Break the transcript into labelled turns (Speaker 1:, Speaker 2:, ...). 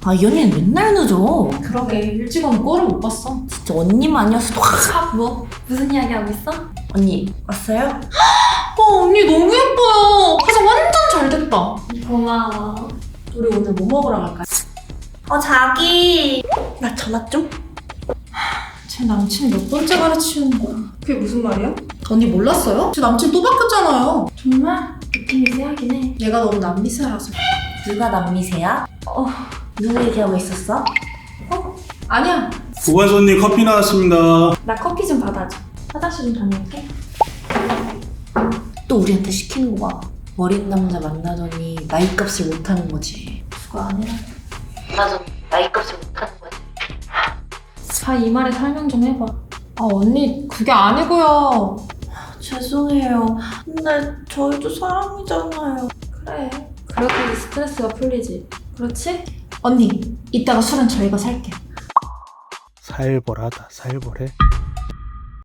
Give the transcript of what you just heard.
Speaker 1: 아, 이 언니는 맨날 늦어.
Speaker 2: 그러게 일찍 오는 꼴을 못 봤어.
Speaker 1: 진짜 언니만 아니었어도 확.
Speaker 3: 뭐? 무슨 이야기 하고 있어?
Speaker 1: 언니 왔어요?
Speaker 2: 언니 너무 예뻐요. 화장 완전 잘 됐다.
Speaker 3: 고마워.
Speaker 2: 우리 오늘 뭐 먹으러 갈까요?
Speaker 1: 자기 나 전화 좀.
Speaker 2: 제 남친 몇 번째 가르치는 거야.
Speaker 3: 그게 무슨 말이야?
Speaker 2: 언니 몰랐어요? 제 남친 또 바뀌었잖아요.
Speaker 3: 정말? 느낌이 세하긴 해.
Speaker 2: 얘가 너무 남미세라서.
Speaker 1: 누가 남미세야? 누구 얘기하고 있었어?
Speaker 2: 아니야.
Speaker 4: 고관손님 커피 나왔습니다.
Speaker 3: 나 커피 좀 받아줘. 화장실 좀 다녀올게.
Speaker 1: 또 우리한테 시키는 거 봐. 어린 남자 만나더니 나이값을 못하는 거지.
Speaker 3: 그거 아니라.
Speaker 1: 나도 나이값을 못하는 거지.
Speaker 3: 이 말에 설명 좀 해봐.
Speaker 2: 언니 그게 아니고요.
Speaker 1: 죄송해요. 근데 저희도 사람이잖아요.
Speaker 3: 그래. 그렇게 스트레스가 풀리지. 그렇지?
Speaker 2: 언니 이따가 술은 저희가 살게.
Speaker 4: 살벌하다 살벌해.